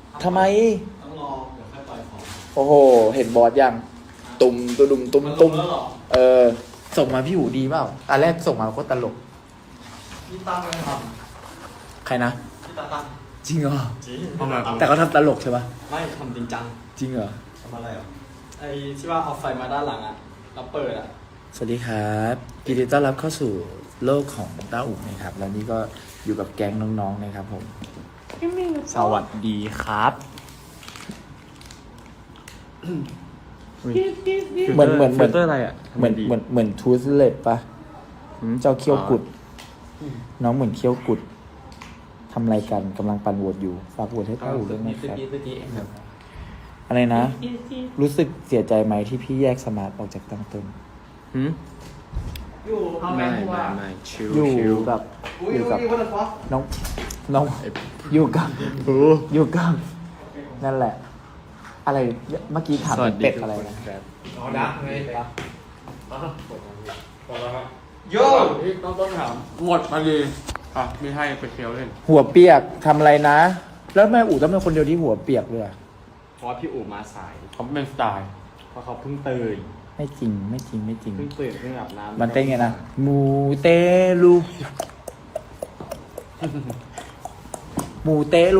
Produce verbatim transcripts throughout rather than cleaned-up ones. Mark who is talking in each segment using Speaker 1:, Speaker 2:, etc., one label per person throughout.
Speaker 1: ทำไม
Speaker 2: ต้องรอเดี๋ยวค่อยปล่อยของ
Speaker 1: โอ้โหเห็นบอสยังตุ่มตุ่มตุ่มตุ่มเออส่งมาพี่หูดีเปล่าตอนแรกส่งมาก็ตลก
Speaker 2: พี่ตั้งไม่ท
Speaker 1: ใครนะ
Speaker 2: ำพี่ตั้งตั้ง
Speaker 1: จริงเหรอ
Speaker 2: จริง
Speaker 1: แต่เขาทำตลกใช่ปะ
Speaker 2: ไม่ทำจริงจัง
Speaker 1: จริงเหรอ
Speaker 2: ทำอะไรอ่ะไอ้ที่ว่าเอาไฟมาด้านหลังอ่ะแล้วเปิดอ่ะ
Speaker 1: สวัสดีครับยินดีต้อนรับเข้าสู่โลกของต้าอุ๋งนะครับแล้วนี่ก็อยู่กับแก๊งน้องๆนะครับผมสวัสดีครับเหมือนเหมือนเหมือน
Speaker 3: ฟิลเตอร์อะไรอ่ะ
Speaker 1: เหมือนเหมือนเหมือนทูสเลตปะเจ้าเขี้ยวกุด น้องเหมือนเขี้ยวกุดทำอะไรกันกำลังปั่นโหวตอยู่ฝากโหวตให้ต้าอู่ด้วยนะครับอะไรนะ รู้สึกเสียใจไหมที่พี่แยกสมาร์ทออกจากตั้งต้น
Speaker 3: หืม
Speaker 2: อยู่เอาแม
Speaker 3: ไม่
Speaker 2: ง
Speaker 3: ไม่
Speaker 2: ว่า
Speaker 3: ไม่ชิว
Speaker 1: อยู่
Speaker 3: ชิว
Speaker 1: กับ
Speaker 2: อุ้ย
Speaker 1: อยู่กับ
Speaker 2: อุ้ยวันละฟอส
Speaker 1: น้องน้องอยู่กับอยู่กับนั่นแหละ อะไรเมื่อกี้ถาม
Speaker 3: สวัสดี
Speaker 1: เป็ด
Speaker 3: ทุก
Speaker 1: อะไร
Speaker 3: คน
Speaker 1: นะครับ
Speaker 2: อ๋อดักไงปะโย
Speaker 3: ต้องต้องถามหมดมาดีอ่ะไม่ให้ไปเคี้ยวเล่น
Speaker 1: หัวเปียกทำอะไรนะ แล้วแม่อู๋ต้องเป็นคนเดียวที่หัวเปียกเลยอะ
Speaker 3: เพราะพี่อู๋มาสายเขาเป็นสไตล์เพราะเขาเพิ่งตื่น
Speaker 1: ไม่จริงไม่จริงไม่จริง
Speaker 3: เพิ่งตื่นเพิ่งอาบน้ำ
Speaker 1: มันเต้นไงนะมูเตลู มูเตลู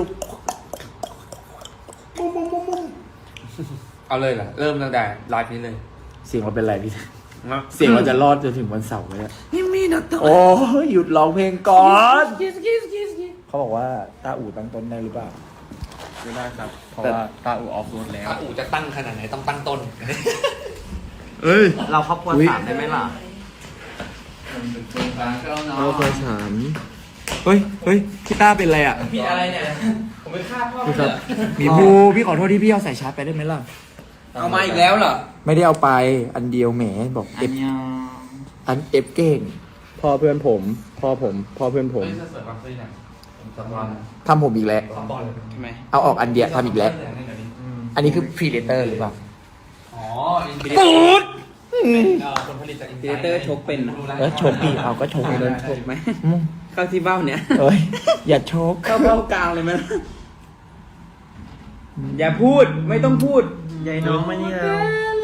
Speaker 3: เอาเลยเหรอเริ่มตั้งแต่ไลฟ์นี้เลย
Speaker 1: เสียงเราเป็นไรพี่
Speaker 3: นะ
Speaker 1: เสียงเราจะรอดจนถึงวันเสาร์เลยอะโอ้ยหยุดร้องเพลงก่อน เขาบอกว่าตาอู่ตั้งต้นได้หรือเปล่า
Speaker 3: ไม่ได้ครับ เพราะ
Speaker 1: แต่
Speaker 3: ว่าตาอู๋ออฟโรดแล้ว
Speaker 4: ถ้าอู่จะตั้งขนาดไหนต้องตั้งต้น
Speaker 3: เอ้ย
Speaker 2: เราครอบครัวสามได้ไหมล่ะ
Speaker 3: เราเคยถาม เฮ้ยเฮ้ยพี่ต้าเป็นอะไรอ่ะ
Speaker 4: มีอะไรเนี่ย ผมไปฆ่าพ่อ
Speaker 3: พี่ครับ
Speaker 1: มีภูพี่ขอโทษที่พี่เอาใส่ชาร์จไปได้ไหมล่ะ
Speaker 4: เอามาอีกแล้วเหรอ
Speaker 1: ไม่ได้เอาไปอันเดียวแหมบอกเอฟอันเอฟเก่ง
Speaker 3: พ่อเพื่อนผม พ่อผม พ่อเพื่อนผม
Speaker 1: ทำผมอีกแล้ว
Speaker 4: ใช่ไหม
Speaker 1: เอาออกอันเดียวทำอีกแล้ว อันนี้คือพรีเดเตอร์หรือเปล่า
Speaker 4: อ๋ออินฟินิตี้คนผลิตจากอินฟินิเตอร์ชกเป็นนะ
Speaker 1: เออโชกอีกเอาก็โชก
Speaker 4: โด
Speaker 1: เลย
Speaker 4: นชกไหม
Speaker 1: อืม
Speaker 4: เข้าที่เบ้าเนี่ย
Speaker 1: เอ้ยอย่าโชก
Speaker 4: เข้าเบ้ากลางเลยไหมอย่าพูดไม่ต้องพูด
Speaker 2: ยายน้องมานี่แล้ว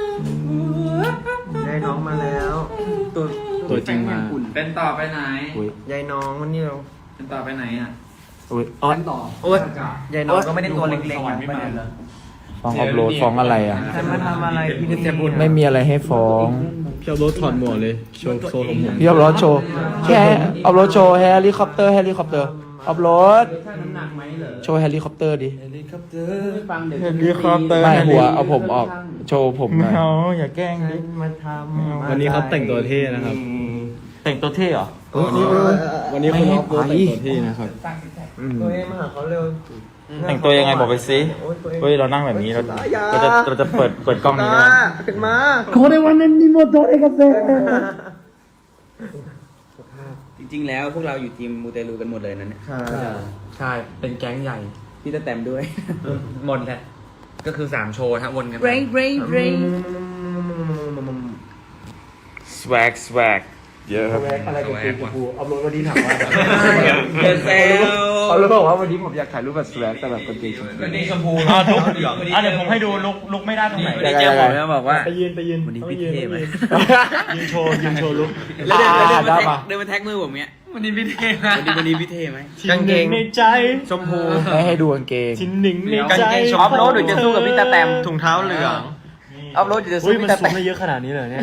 Speaker 2: ยายน้องมาแล้ว
Speaker 4: ตัว
Speaker 3: ตัวจริงมา
Speaker 5: เป็นต่อไปไหน
Speaker 1: อุ้ย
Speaker 2: ยายน้องมานี่แล้ว
Speaker 5: เป็นต่อไปไหนอ่ะ
Speaker 1: อุ้ยอ๋อ
Speaker 4: ต่อ
Speaker 1: โอ้ย
Speaker 2: ยายน้องก็ไม่ได้ตัวเล็กๆนะไม่ได้เลย
Speaker 1: ฟ้องอัพโหลดฟ้องอะไรอ่ะ
Speaker 2: ฉันมาทำอะไรพี่จะพูด
Speaker 1: ไม่มีอะไรให้ฟ้อง
Speaker 3: พี่เอารถถอดหมวกเลย โชว์โชว์ของผม
Speaker 1: พี่อัพโหลดโชว์แค่อัพโหลดโชว์เฮลิคอปเตอร์เฮลิคอปเตอร์อัพโหลด
Speaker 4: ช่างน้ำหนักไหมเหรอ
Speaker 1: โชว์เฮลิคอปเตอร์ดิ
Speaker 4: ฟังเดี๋ยว
Speaker 3: เฮลิคอปเตอร์
Speaker 1: ไม่หัวเอาผมออกโชว์ผมหน่อย
Speaker 3: เอาอย่าแกล้ง
Speaker 2: ฉั
Speaker 3: ดิ
Speaker 2: นมาทำ
Speaker 3: วันนี้เขาแต่งตัวเท่นะครับ
Speaker 1: แต่งตัวเท่เหรอ
Speaker 3: วันนี้คุณออฟโรดแต่งตัวเท่นะครับ
Speaker 2: ตัวเองมาหาเขาเร็ว
Speaker 1: แต่งตัวยังไงบอกไปสิ
Speaker 2: โอ้ยตัวเอง
Speaker 1: เฮ้ยเรานั่งแบบนี้เราเราจะเราจะเปิดเปิดกล้องนี้
Speaker 2: มา
Speaker 1: นะ
Speaker 2: ขึ้นมา
Speaker 1: โคเดวันนั้นนิโมโตเอกาเซ่
Speaker 4: จริงๆแล้วพวกเราอยู่ทีมมูเตลูกันหมดเลยนะเนี่ย
Speaker 1: ใช่ เป็นแก๊งใหญ่
Speaker 4: พี่ตะแตมด้วย
Speaker 1: หมดแหละก็คือสามโชว์ทั้งวนกันไป
Speaker 4: Ray Ray Ray
Speaker 1: swag swag เยอะครับอะไรกับกูกูเอารถวันนี้ถามว่า
Speaker 4: เดี๋ยวแซว
Speaker 1: เขาเลยบอกว่าวันนี้ผมอยากถ่ายรูปแบบ swag แต่แบบกางเกงชมพู
Speaker 4: วันนี้ชมพู
Speaker 5: อ่าลุกอ่าเดี๋ยวผมให้ดูลุกลุกไม่ได้ตรงไหน
Speaker 4: วันนี้เจ้าผมจะบอกว่า
Speaker 3: ไปยืนไปยืน
Speaker 4: วันนี้พี่เท่ไหม
Speaker 3: ยืนโชว์ยืนโชว์ลุก
Speaker 4: แล้วเดินแล้วเดินมา
Speaker 1: ได้
Speaker 4: แท็ก
Speaker 1: ปะ
Speaker 4: เดินมาแท็กมือผมเนี้ย
Speaker 5: วันนี้พี่เท่นะ
Speaker 4: วันนี้วันนี้พี่เท่ไหม
Speaker 1: กางเกง
Speaker 3: ในใจ
Speaker 4: ชมพู
Speaker 1: ให้ให้ดูกางเกง
Speaker 3: ชิ้นหนึ่งใน
Speaker 4: กาง
Speaker 3: ใจ
Speaker 4: เกงชอปโรดหรือจะสู้กับพี่ตาแตม
Speaker 3: ถุงเท้าเหลือง
Speaker 4: อัพโหลดจะสู้
Speaker 3: อุ้ยมัน
Speaker 4: พี่ตา
Speaker 3: ซู
Speaker 4: แต
Speaker 3: ม
Speaker 4: ม
Speaker 3: ได้เยอะขนาดนี้เลยเนี่ย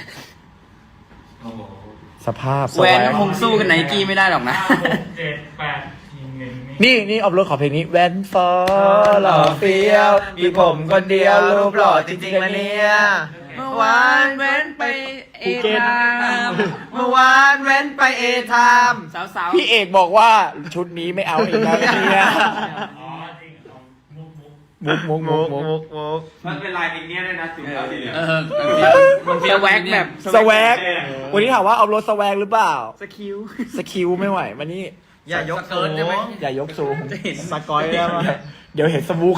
Speaker 1: สภาพ
Speaker 4: แวนคงสู้กันไหนกี้ไม่ได้หรอกนะ
Speaker 5: เจ็ดแปดทีหนึ่ง
Speaker 1: นี่นี่เอารถขอเพลงนี้แวนฟอหล่อเฟี้ยว มีผมคนเดียวรูปหล่อจริงๆนะเนี่ย
Speaker 4: เมื่อวานแว้นไปเอทาม
Speaker 2: เมื่อวานเว้นไปเอทาม
Speaker 4: สาว
Speaker 1: พี่เอกบอกว่าชุดนี้ไม่เอาอีกแล้วเนี่ย
Speaker 5: อ๋อจริงเอามุกมุก
Speaker 1: มุกมุกมุกมุก
Speaker 2: มุก
Speaker 5: มันเป็นลายอย่างเงี้ยเลยนะจุดแล้วทีเดียว
Speaker 4: ๆเออมันเฟี้ยวแว็กแบบ
Speaker 1: สแวกวันนี้ถามว่าเอารถสแวกหรือเปล่า
Speaker 4: สคิว
Speaker 1: สคิวไม่ไหวมานี่
Speaker 2: อย่ายก
Speaker 4: เกินได้ไหม
Speaker 1: อย่ายกสูง
Speaker 4: จะเห็น
Speaker 1: สกอยแล้วเดี๋ยวเห็นสมุก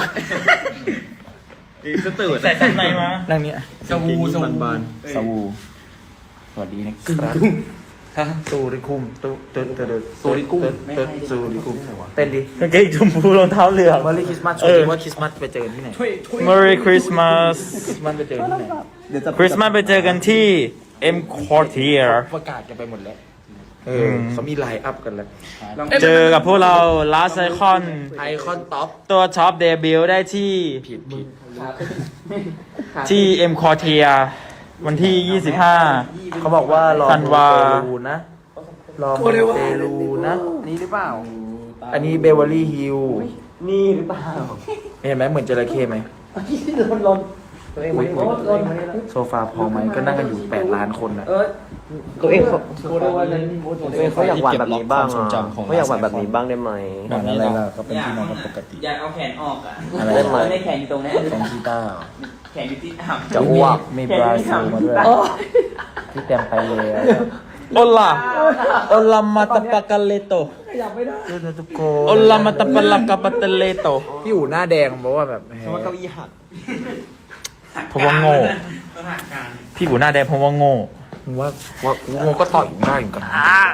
Speaker 4: สตื่น
Speaker 5: ใส่ชั้นในมา
Speaker 1: นั่งเนี้ย
Speaker 4: สวูสวู
Speaker 1: สวูสวัสดีนะครับสูริคุมตุตุตุตุ
Speaker 3: สูริคุม
Speaker 1: ตุสูริคุมเต้นดิ
Speaker 5: กางเกงชมพูรองเท้าเหลือง
Speaker 1: เมอรี่คริสต์มาส
Speaker 5: เออ
Speaker 1: ว่าคริสต์มาสไปเจอกันที่ไหน
Speaker 5: Merry Christmas
Speaker 1: คริสต์มาสไปเจอกันที่ไหน
Speaker 5: คริสต์มาสไปเจอกันที่ M Quartier
Speaker 1: ประกาศกันไปหมดแล้วเออเขามีไลน์อัพกันแล้ว
Speaker 5: เจอกับพวกเรา Last Icon
Speaker 1: ไอคอนท็อป
Speaker 5: ตัวท็อปเดบิวต์ได้ที่
Speaker 1: ผิดผิด
Speaker 5: ที่ M Quartier วันที่ ยี่สิบห้า
Speaker 1: เขาบอกว่ารอ
Speaker 5: ธันวา
Speaker 1: เตลูนะรอโมเตลูนะนี่หรือเปล่า อันนี้เบเวอรี่ฮิล
Speaker 5: นี่หรือเปล่า
Speaker 1: เห็นไหมเหมือนจระเข้ไหมอุ๊ยโซฟาพอไหมก็นั่งกันอยู่แปดล้านคนนะ
Speaker 6: ตัวเองเขาตัวเองเขาอยากหวานแบบนี้บ้างอ่ะเขาอยากหวานแบบนี้บ้างได้ไหม
Speaker 1: แบบอะไรล่ะก็เป็นพี่น้องกันปกติ
Speaker 2: อยากเอาแขนออกอ่ะ
Speaker 1: อะไร
Speaker 6: ได้ไหม
Speaker 2: ไม่แขนอยู่ตรงนี้
Speaker 1: ของกีตาร์
Speaker 2: แขนอยู่ที่อ่ำ
Speaker 1: จะอ้วกมีบราซิลมาด้วยที่เต็มไปเลย
Speaker 5: โอลาโอลามาตาปากาเลโต
Speaker 1: ทุกค
Speaker 5: โอลามาตาปาลากาปาเตเลโต
Speaker 1: พี่อู๋หน้าแดงบอกว่าแบบ
Speaker 6: เพราะว่าเก้าอี้หัก
Speaker 5: เพราะว่าโง่ พี่บูหน้าแดงเพราะว่าโง่
Speaker 1: มึงว่าว่ากูงงก็ต่อยอยู่หน้าอยู่กัน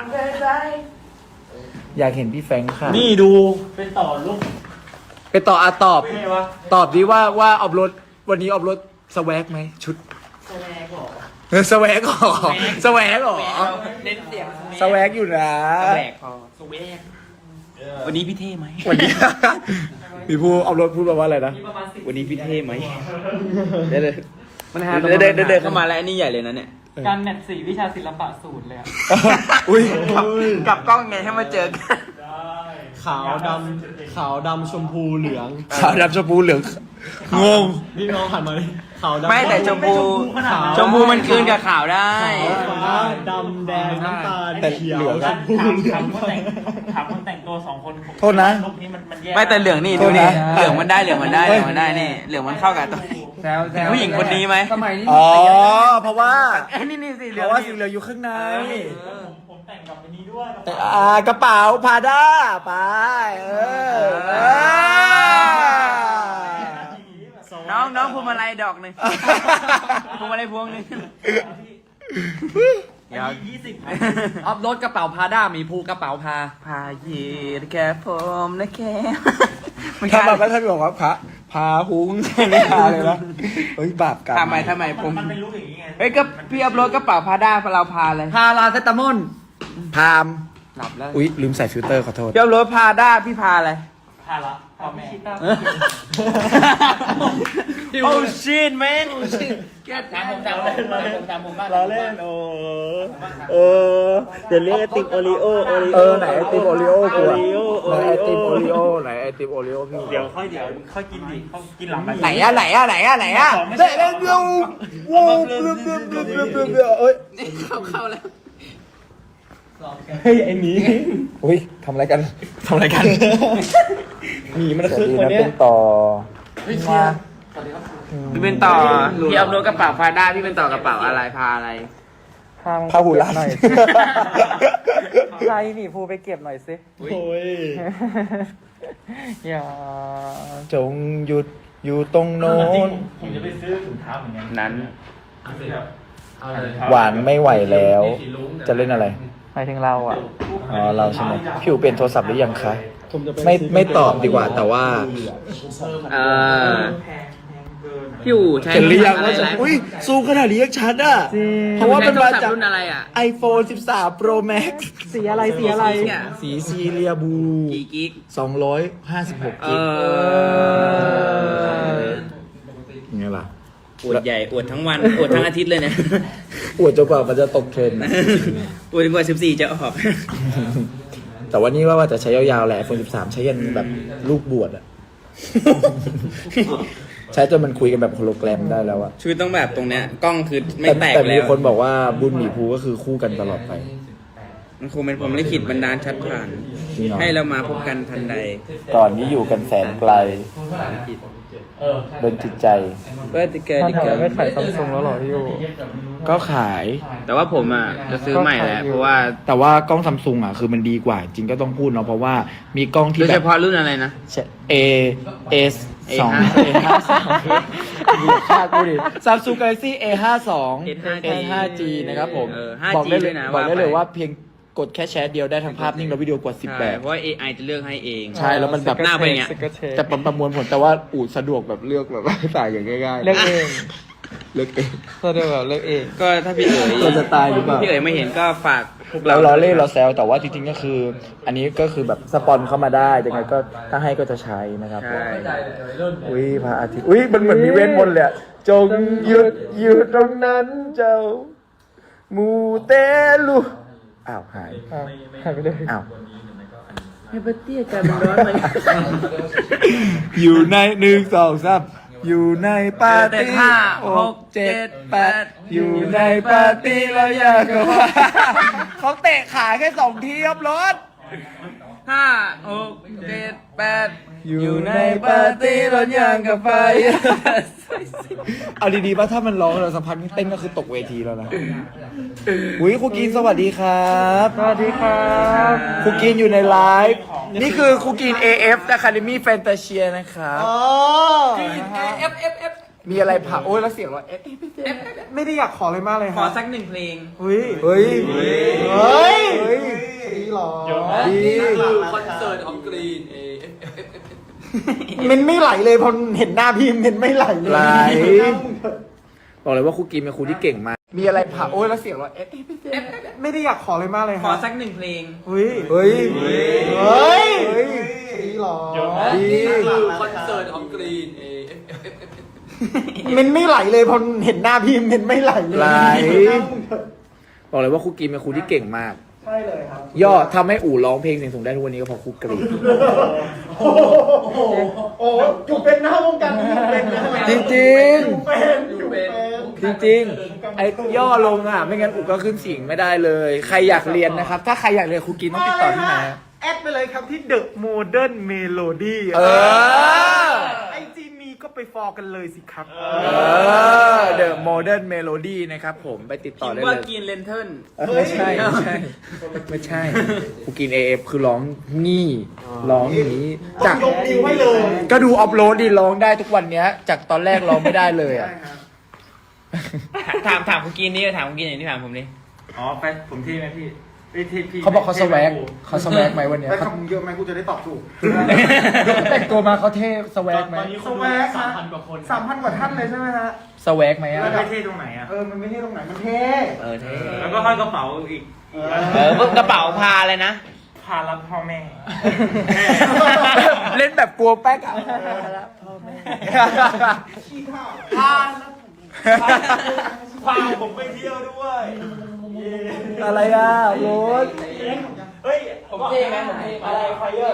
Speaker 1: อยากเห็นพี่แฟรงค์ค่ะ
Speaker 5: นี่ดู
Speaker 1: ไปต่ออะตอบ ตอบดิว่าว่าออบรถวันนี้ออบรถสแวกไหมชุดสแวกหรอสแวกหรอสแวกหรอ
Speaker 2: เน้นเสียง
Speaker 1: สแวกอยู่นะ
Speaker 2: แหวกพอสแวกวันนี้พี่เท่ไหม
Speaker 1: วันนี้พี่พูออบรถพูดมาว่าอะไรนะ
Speaker 2: วันนี้พี่เท่ไหม
Speaker 1: เดี๋ยว
Speaker 2: มันหาเดินเดินเดินเข้ามาแล้วอันนี้ใหญ่เลยนะเนี่ย
Speaker 7: การแมทสี่วิชาศิลปะศูนย์เลยอะ
Speaker 1: อุ้ย
Speaker 2: กับกล้องไงให้มาเจอกัน
Speaker 4: ขาวดำขาวดำชมพูเหลือง
Speaker 1: ขาวดำชมพูเหลืองงง
Speaker 4: พี่น้องหันมาดิขาวดำ
Speaker 2: ไม่แต่ชมพูชมพูมันคืนกับขาวได้
Speaker 4: ฟ้าดำแดงน้ำตาล
Speaker 1: แต่
Speaker 4: เขียว
Speaker 1: เหลือง
Speaker 4: ชมพู
Speaker 7: ถามคนแต่งถามคนแต่งตัวสองคน
Speaker 1: โทษนะ
Speaker 7: ลุคนี้มันมันแย่
Speaker 2: ไม่แต่เหลืองนี่
Speaker 1: โท
Speaker 2: ดู
Speaker 1: ษ
Speaker 2: นี่
Speaker 1: นะ
Speaker 2: เหลืองมันได้เหลืองมันได้เหลืองมันได้นี่เหลืองมันเข้ากับตัวผู้หญิงคนนี้ไหม
Speaker 1: อ๋อเพราะว่า
Speaker 2: เอ้ยนี่นี่สีเห
Speaker 1: เพ
Speaker 2: ลือง
Speaker 1: ราะว่า
Speaker 2: นี่
Speaker 1: สีเหลืองอยู่ข้างใน
Speaker 7: ผมผมแต่งกับอันนี้ด้วย
Speaker 1: แต่อ่ากระเป๋าพาด้าไปเออเออ
Speaker 2: น้องน้องพวงมาลัยดอกหนึ่งพวงมาลัยพวงหนึ่ง
Speaker 7: ยี่สิบ
Speaker 6: ออฟรถกระเป๋าพาด้ามีภูกระเป๋าพา
Speaker 2: พาเยีดแค่ผมนะแค่ไม่
Speaker 1: ถ้า
Speaker 2: ใช่
Speaker 1: แบบว่าถ้าบอกว่าพระพาหุงไม่พาเลยนะเฮ้ยบาปกรรม
Speaker 2: ทำไมทำไมผม
Speaker 7: มันเป็นลุคอย่างนี้ไง
Speaker 2: เฮ้ยก็พี่อัพโหลดกระเป๋าพาด้าเราพาเลย
Speaker 6: พาลาเซตามอน
Speaker 1: พาม
Speaker 6: หลับแล้ว
Speaker 1: อุ๊ยลืมใส่ฟิลเตอร์ขอโทษ
Speaker 2: พี่อัพโหลดพาด้าพี่พาอะไร
Speaker 7: พาละพ่อแม่
Speaker 2: โอ้ชินแมน
Speaker 7: ถามผมถามผมถามผมบ้าง
Speaker 5: เราเล่นโอ้เออเดี๋ยวเรียกไอติมโอริโอโอริโอ
Speaker 1: เออไหนไอติมโอริโอกูอะ
Speaker 5: โอริโอ
Speaker 1: ไหนไอติมโอริโอไหนไอติมโอริโอพี่
Speaker 5: เดี๋ยวค่อยเดี๋ยวค่อยกินดิเขากินหลัง
Speaker 1: ไหนอะไหนอะไหนอะไหนอะเด็ดเด็ดเดียวว้าวเบลเบลเบลเบลเบลเบลเอ้ย
Speaker 2: เข้าเข้าแล้ว
Speaker 5: เฮ้ยไอ้หมี
Speaker 1: อุ้ยทำอะไรกัน
Speaker 5: ทำอะไรกันหมีมัน
Speaker 1: สวัส
Speaker 5: คือ
Speaker 1: ดี
Speaker 5: คน
Speaker 1: นะ
Speaker 5: เนี้
Speaker 1: เป็
Speaker 5: ย
Speaker 1: นต่อมา
Speaker 2: พี่เป็นต่อพี่อัพโหลดกระเป๋าพาด้าพี่เป็นต่อกระเป๋าอะไรพาอะไร
Speaker 1: พาหูรัด
Speaker 7: ใครนี่ภูไปเก็บหน่อยสิ
Speaker 5: โอ้ย
Speaker 7: อย่า
Speaker 1: จงหยุดอยู่ตรงโน้น
Speaker 7: ผมจะไปซื้อถุงเท้าเหมือนกัน
Speaker 2: นั้น
Speaker 1: หวานไม่ไหวแล้ว จะเล่นอะไร
Speaker 7: หมายถึงเราอ่ะ
Speaker 1: อ๋อเราใช่ไหมพี่อู๋เปลี่ยนโทรศัพท์หรือยังคะไม่ไม่ตอบดีกว่าแต่ว่า
Speaker 2: เอ่อพี่อู๋ใช้
Speaker 1: เห็นหรือยัง
Speaker 2: อะไร
Speaker 1: ว่าจะ
Speaker 2: นะ
Speaker 1: อุ้ยซูมขนาดนี้ยังชัดอ่ะเพราะว่ามันมาจาก
Speaker 2: รุ่นอะไรอ่ะ
Speaker 1: iPhone สิบสาม Pro Max
Speaker 7: สีอะไรสีอะไร
Speaker 1: สีซีเรียบู
Speaker 2: กี่กิก
Speaker 1: สองร้อยห้าสิบหก
Speaker 2: เอ
Speaker 1: กิก
Speaker 2: อ
Speaker 1: ไงล่ะ
Speaker 2: อวดใหญ่อวดทั้งวันอวดทั้งอาทิตย์เลยเนี่ย
Speaker 1: อวดจนกว่ามันจะตกเทรนด์
Speaker 2: อวดจนกว่าสิบสี่จะออก
Speaker 1: แต่ว่านี่ว่าว่าจะใช้ยาวๆแหละ iPhone สิบสามใช้ยันแบบลูกบวชอ่ะ ใช้จนมันคุยกันแบบโฮโลแกรมได้แล้วอะ
Speaker 2: ชีวิตต้องแบบตรงเนี้ยกล้องคือไม่
Speaker 1: แต่
Speaker 2: แตก
Speaker 1: แต่
Speaker 2: แล้
Speaker 1: มี
Speaker 2: ว
Speaker 1: คนบอกว่าบุญหมีภูก็คือคู่กันตลอดไป
Speaker 2: มันคงเป็นผมลิขิตบันดาลชัดผ่าน
Speaker 1: จริงเหรอ
Speaker 2: ให้เรามาพบกันทันใด
Speaker 1: ก่อนนี้อยู่กันแสนไกลโดนจิตใจ
Speaker 2: เพื่อที่เกิด
Speaker 7: ถ้า
Speaker 2: ที่
Speaker 7: ถาม
Speaker 2: เกิด
Speaker 7: ไม่ขายซัมซุงแล้วเหรอพี่ยู
Speaker 1: ก็ขาย
Speaker 2: แต่ว่าผมอ่ะจะซื้อใหม่แหละเพราะว่า
Speaker 1: แต่ว่ากล้องซัมซุงอ่ะคือมันดีกว่า จริงก็ต้องพูดเนาะเพราะว่ามีกล้องที่
Speaker 2: โดย
Speaker 1: แบ
Speaker 2: เฉ
Speaker 1: บ
Speaker 2: พาะรุ่นอะไรนะ
Speaker 1: A S สอง เอ ห้าสองเหยียบชาติกูดิ Samsung Galaxy เอ ห้าสอง
Speaker 2: เอ ห้าจี
Speaker 1: เอ นะครับผม
Speaker 2: เออ
Speaker 1: บอกได้
Speaker 2: ห้าจี
Speaker 1: เล
Speaker 2: ด้วย ยนะ
Speaker 1: บอกได้เลย
Speaker 2: ว่าไป
Speaker 1: ว่าเพียงกดแค่แชทเดียวได้ทั้งภาพนิ่งและวิดีโอกว่าสิบ
Speaker 2: ใช่
Speaker 1: แบบ
Speaker 2: เพราะว่า เอ ไอ จะเลือกให้เอง
Speaker 1: ใช่แล้วมันแบบ
Speaker 2: หน้าเป็นอย่างเงี้ย
Speaker 7: สกอตเทป
Speaker 1: จะประมวลผลแต่ว่าอูดสะดวกแบบเลือกแบบว่าใส่อย่างง่ายๆ
Speaker 7: เลือกเอง
Speaker 1: เลือกเอง
Speaker 7: สะดวกแบบเลือกเอง
Speaker 2: ก็ถ้าพี่เอ๋ย
Speaker 1: เราจะตายหรือเปล่า
Speaker 2: พี่เอ๋ยไม่เห็นก็ฝากพวก
Speaker 1: เรา
Speaker 2: เรา
Speaker 1: ล้อเล่นเราแซวแต่ว่าจริงๆก็คือ อันนี้ก็คือแบบสปอนเข้ามาได้ยังไงก็ถ้าให้ก็จะใช้นะครับผม
Speaker 2: ใช่
Speaker 1: อุ้ยพระอาทิตย์อุ้ยมันเหมือนมีเวทมนต์เลยอะจงหยุดอยู่ตรงนั้นเจ้ามูเตลูอ้าวหาย
Speaker 7: อ้าวหายไปเลย
Speaker 1: อ้าว
Speaker 2: เฮเบอร์ตี้อาการมันร้อนไหม
Speaker 1: อยู่ในหนึ่งสองสามอยู่ในปาร์
Speaker 2: เต้น
Speaker 1: ตี้
Speaker 2: ห้า
Speaker 1: ห
Speaker 2: ห
Speaker 1: ก
Speaker 2: ก
Speaker 1: เจ็
Speaker 2: เจ็
Speaker 1: ด
Speaker 2: ด
Speaker 1: แป
Speaker 2: แป
Speaker 1: ด
Speaker 2: ด
Speaker 1: อยู่ในปาร์ตี้แล้วอยากกับว่า เขาเตะขาแค่สองทีครับรถ
Speaker 2: ห้าหกเจ็ดแปด
Speaker 1: อยู่ในปาร์ตี้ร้อนยางกับไฟ เอาดีๆป่ะถ้ามันร้องเราสัมพันธ์เต้นก็คือตกเวทีแล้วนะ อุ้ยครูกินสวัสดีครับ
Speaker 7: สวัสดีครับ
Speaker 1: ครูกินอยู่ในไลฟ์ นี่คือครูกิน เอ เอฟ Academy Fantasia นะครับ
Speaker 2: เอฟเอฟเอฟ
Speaker 1: มีอะไรผ่าโอ้ยแล้วเสียงเราเอฟเอฟ
Speaker 7: ไม่ได้อยากขอเลยมากเลย
Speaker 2: ข
Speaker 7: ค
Speaker 2: อ
Speaker 7: รับ
Speaker 2: สักหนึ่งเพลง
Speaker 7: เฮ้ย
Speaker 1: เฮ้ย เฮ้ย เฮ้ย
Speaker 7: ดีหรอ
Speaker 1: ดี
Speaker 4: คอนเสิร์ตของกรีนเอ
Speaker 7: มันไม่ไหลเลยพอเห็นหน้าพี่มันไม่ไหลเลย
Speaker 1: ไหล บอกเลยว่าครูกินเป็นครูที่เก่งมาก มีอะไรผ่าโอ้ยแล้วเสียงเราเอฟเอฟ
Speaker 7: ไม่ได้อยากขอเลยมากเลยค
Speaker 2: ขอ
Speaker 7: รับ
Speaker 2: สักหนึ่งเพลง
Speaker 7: เฮ้ย
Speaker 1: เฮ้ย
Speaker 7: เฮ้ยดีหรอ
Speaker 1: ดี
Speaker 4: คอนเสิร์ตของกรีนเอ
Speaker 7: มันไม่ไหลเลยพอเห็นหน้าพี่มันไม่ไหลเลย
Speaker 1: ไหล บอกเลยว่าครูกินเป็นครูที่เก่งมาก
Speaker 7: ใช่เลยครับ
Speaker 1: ย่อทำให้อู่ร้องเพลงเสียงสูงได้ทุกวันนี้ก็เพราะครูกรีด
Speaker 7: โอ้โหโอ้โหอยู่เป็นหน้าวงการอยู่เป็นนะ
Speaker 1: จริง
Speaker 7: อยู่เป็นอยู่เป็น
Speaker 1: ๆ จริงๆ ไอ้ย่อลงอ่ะ ไม่งั้นอู่ก็ขึ้นเสิงไม่ได้เลย ใครอยากเรียนนะครับ ถ้าใครอยากเรียนครูกินต้องติดต่อที่ไหน
Speaker 7: แอดไปเลยครับที่ The Modern Melody
Speaker 1: เออ
Speaker 7: ไอจีมีก็ไปฟอลกันเลยสิครับ
Speaker 1: เออ The Modern Melody นะครับผมไปติดต่อ
Speaker 2: คิด
Speaker 1: ได้
Speaker 2: ว่า
Speaker 1: เลย
Speaker 2: กินเลนเทิล
Speaker 1: เออไม่ใช่ไม่ใช่ไม่ใช่ครูกิน เอ เอฟ คือร้องงี้ร้องอย่างนี้จาก
Speaker 7: ยกนิ้วให้เลย
Speaker 1: ก็ดูอัพโหลดดิร้องได้ทุกวันเนี้ย จากตอนแรกร้องไม่ได้เลยอ่ะ
Speaker 2: ถามถามคุณกินนี่ถามคุณกินอย่างที่ถามผมนี่
Speaker 5: อ๋อไปผมที่ไหมพี่พี่ที่พี่
Speaker 1: เขาบอกเขาสแวกเขาสแวกไหมวันเนี้ย
Speaker 7: ไป
Speaker 1: เขา
Speaker 7: คำเยอะไหมกูจะได้ตอบถูก
Speaker 1: แต่งตัวมาเขาเท่สแวกไหม
Speaker 7: สแวกสามพันกว่าคนสามพันกว่าท่านเลยใช่ไหมฮะ
Speaker 1: สแวกไหมอ่ะ
Speaker 5: ไม่เท่ตรงไหนอ่ะ
Speaker 7: เออ มันไม่ใช่ตรงไหน มันเท่
Speaker 2: เออเท่
Speaker 5: แล้วก็ห้อยกระเป๋าอีก
Speaker 2: เออพวกกระเป๋าพาเลยนะ
Speaker 5: พารับพ่อแม่
Speaker 1: เล่นแบบกลัวแป๊กอ่ะ
Speaker 5: พาผมไปเที่ยวด้วย
Speaker 1: อะไรอ่ะโรส
Speaker 5: เฮ้ยผมเท่ไหมผมเท่อะไรไฟเยอร์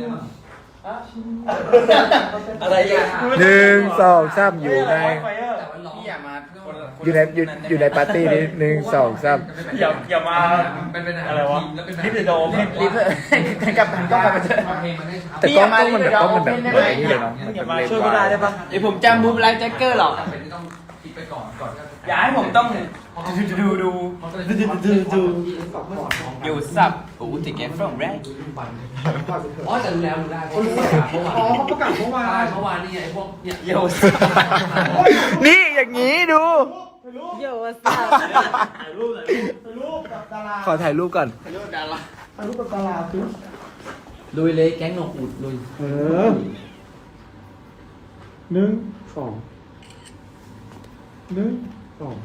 Speaker 2: อะไรอ่ะ
Speaker 1: หนึ่งสองสามอยู่ใน
Speaker 5: ไฟเยอร์
Speaker 2: พี่อย่ามา
Speaker 1: อยู่ในอยู่อยู่ในปาร์ตี้นี้หนึ่งสองสาม
Speaker 5: อย่าอย่ามาอะไรวะลิฟต์โดม
Speaker 2: รีบกับมันก็มาเจอ
Speaker 1: แต่กล้องกล้องมันแบบกล้องมันแบบเหมือนไอ้นี่เลยเนาะมันแบบเร็ว
Speaker 5: ช่วย
Speaker 1: ก
Speaker 5: ไม่ได้
Speaker 1: ว่า
Speaker 5: ได้ปะ
Speaker 2: เดี๋ยวผมจำบูมไลท์แจ็คเกอร์หรอกอย่าให้ผมต้องดูดูดูดูอยู่สับโอ้ติเก็ตฟรอมแรก
Speaker 4: อ๋อแต่รู้แล้วรู้ได้
Speaker 7: อ๋อเขาประกาศเมื่อวาน
Speaker 4: เมื่อวานนี่ไอ้พวกเนี่ย
Speaker 2: อยู่
Speaker 1: นี่อย่างนี้ดู
Speaker 7: เยอะสัสถ่ายรูปถ่ายรูปกับดารา
Speaker 1: ขอถ่ายรูปก่อน
Speaker 7: ถ่ายรูปกับดาราคือ
Speaker 4: ลุยเลยแก๊งหนกอุดลุย
Speaker 7: เออหนึ่งสองหนึ่งสอง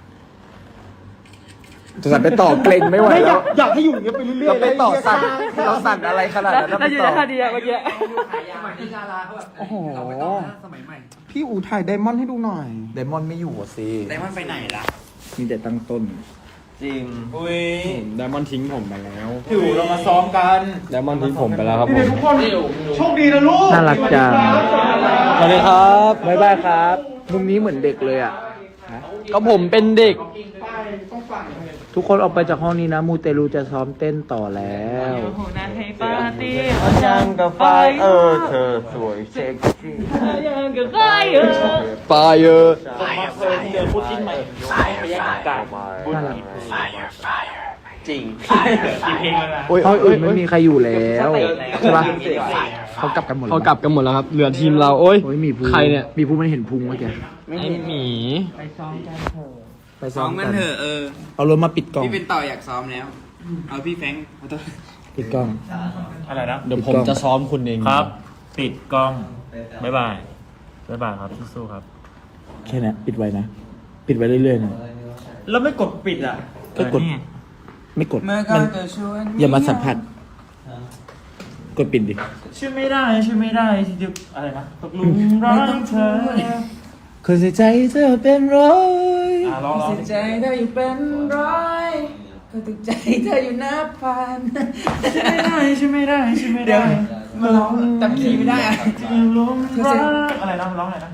Speaker 1: จะสั่นไปต่อเกรงไม่ไหว
Speaker 7: ไม่อ
Speaker 1: แล้
Speaker 7: ยาว กอยากให้อยู่อย่างเงี้ยไปเรื่อยๆ
Speaker 1: เราไปต่อ
Speaker 7: เลย
Speaker 1: สั่น
Speaker 7: หี้ย
Speaker 1: เราสั่นอะไรขนาดนั้นเราไปต่อ
Speaker 7: เมื่อกี้
Speaker 4: สมัยนี้ดาราเขาแบบ
Speaker 7: โอ้โห
Speaker 4: เราไม่ต้องนะสมัยใหม่
Speaker 7: พี่อู๋ถ่ายไดมอนด์ให้ดูหน่อย
Speaker 1: ไดมอนด์ไม่อยู่อ่ะสิ
Speaker 2: ไดมอนด์ไปไหนล่ะ
Speaker 1: มีแต่ตั้งต้น
Speaker 2: จริง
Speaker 5: อุ้ยไดมอนด์ทิ้งผมไปแล้ว
Speaker 1: อยู่เรามาซ้อมกัน
Speaker 5: ไดมอนด์ทิ้งผมไปแล้วครับผม
Speaker 7: ทุกคนโชคดีนะลูก
Speaker 1: น่ารักจัง
Speaker 5: สวัสดีครับ
Speaker 1: บ๊ายบายครับมุมนี้เหมือนเด็กเลยอ่ะ
Speaker 5: ก็ผมเป็นเด็ก
Speaker 1: ทุกคนออกไปจากห้องนี้นะ มูเตลูจะซ้อมเต้นต่อแล้ว
Speaker 5: ยังกับไฟเออเธอสวยเซ็กซี่ยังกับไฟเออไฟเออเจอพูดจิ้นใหม่
Speaker 1: น่ารัก
Speaker 6: จริง
Speaker 4: กี่เพลงแล้วนะ
Speaker 1: โอ้ยโอ้ยโอ้ยไม่มีใครอยู่แล้วใช่ปะเขากลับกันหมด
Speaker 5: เขากลับกันหมดแล้วครับ เหลือทีมเรา โอ้ย
Speaker 1: โอ้ยมีภู
Speaker 5: ใครเนี่ย
Speaker 1: มีภูมันเห็นพุงเมื่อกี้
Speaker 5: ไอ้หมี
Speaker 1: ไปซ้อ
Speaker 2: ซ้อ
Speaker 1: ม
Speaker 2: ม
Speaker 1: กั
Speaker 2: กัน นเถอะเออ
Speaker 1: เอารถมาปิดกล้อง
Speaker 2: พี่เป็นต่ออยากซ้อมแล้ว เอาพี่แฟรงค์ขอโทษ
Speaker 1: ปิดกล้อง
Speaker 4: อะไรนะ
Speaker 5: เดี๋ยวผมจะซ้อมคุณเอง
Speaker 4: ครับ ปิดกล้อง บ๊ายบาย บ๊ายบายครับสู้ๆครับ
Speaker 1: แค่นั้นปิดไว้นะ ปิดไว้เรื่อยๆนะ
Speaker 4: แล้วไม่กดปิดอ่ะ
Speaker 1: ก็กด
Speaker 4: เออนี่
Speaker 1: ไม่กด
Speaker 2: เมื่อก่
Speaker 1: มั
Speaker 2: อน นก็ชวน
Speaker 1: อย่ามาสัมผัส กดปิดดิ
Speaker 4: ช่วยไม่ได้ช่วยไม่ได้ที่จะอะไรนะตกหลุมรักเธอ
Speaker 1: คนใส่ใจเธอเป็นร้อย
Speaker 4: อ่ะร้องร้อง
Speaker 2: เสียใจเธออยู่เป็นร้อยก็ตกใจเธออยู่นับพัน
Speaker 4: ช่วยไม่ได้ช่วยไม่ได้ช่วยไม่
Speaker 2: เดี๋ยว
Speaker 4: ได้
Speaker 2: มาร้องจำคีย์ไม่ได้อะ
Speaker 4: หลุมรักอะไรนะร้องอะไรนะ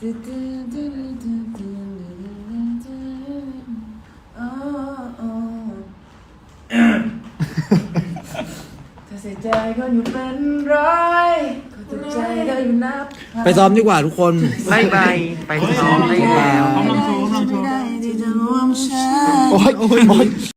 Speaker 2: เธอเสียใจก็อยู่เป็นร้อยก็ตกใจเธออยู่นับพัน
Speaker 1: ไปซ้อมดีกว่าทุกคน
Speaker 6: บายบายไปซ้อมได้แล้ว
Speaker 4: พร้อมลงสู่พร้อมลงสู่
Speaker 2: ไม่ได้ที่จะรวมฉัน
Speaker 1: โอ้ยโอ้ยโอ้ย